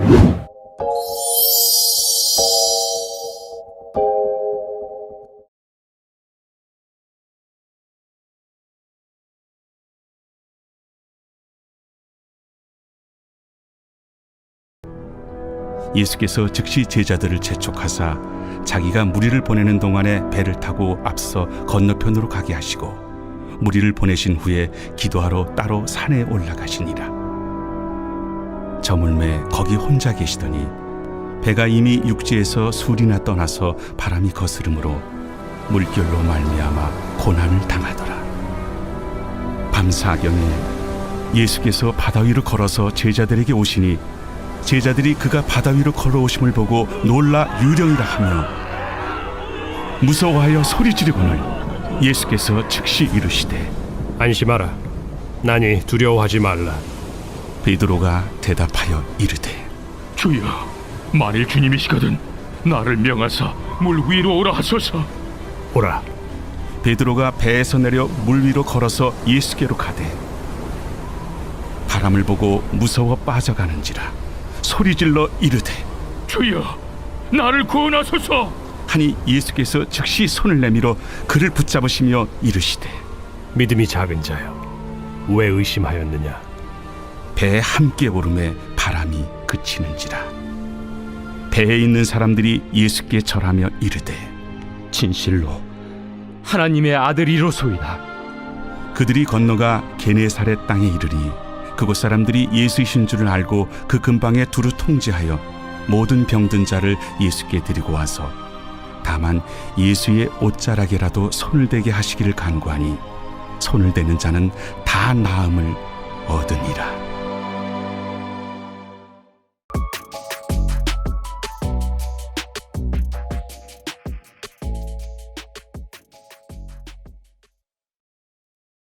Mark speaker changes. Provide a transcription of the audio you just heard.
Speaker 1: 예수께서 즉시 제자들을 재촉하사 자기가 무리를 보내는 동안에 배를 타고 앞서 건너편으로 가게 하시고 무리를 보내신 후에 기도하러 따로 산에 올라가시니라. 저물매 거기 혼자 계시더니 배가 이미 육지에서 술이나 떠나서 바람이 거스름으로 물결로 말미암아 고난을 당하더라. 밤사경에 예수께서 바다 위로 걸어서 제자들에게 오시니 제자들이 그가 바다 위로 걸어오심을 보고 놀라 유령이라 하며 무서워하여 소리 지르거늘 예수께서 즉시 이르시되
Speaker 2: 안심하라. 나니 두려워하지 말라.
Speaker 1: 베드로가 대답하여 이르되
Speaker 3: 주여, 만일 주님이시거든 나를 명하사 물 위로 오라 하소서.
Speaker 2: 오라.
Speaker 1: 베드로가 배에서 내려 물 위로 걸어서 예수께로 가되 바람을 보고 무서워 빠져가는지라 소리질러 이르되
Speaker 3: 주여, 나를 구원하소서.
Speaker 1: 하니 예수께서 즉시 손을 내밀어 그를 붙잡으시며 이르시되
Speaker 2: 믿음이 작은 자여, 왜 의심하였느냐?
Speaker 1: 배에 함께 오름에 바람이 그치는지라. 배에 있는 사람들이 예수께 절하며 이르되
Speaker 4: 진실로 하나님의 아들이로소이다.
Speaker 1: 그들이 건너가 게네사렛 땅에 이르니 그곳 사람들이 예수이신 줄을 알고 그 근방에 두루 통제하여 모든 병든 자를 예수께 데리고 와서 다만 예수의 옷자락에라도 손을 대게 하시기를 간구하니 손을 대는 자는 다 나음을 얻으니라.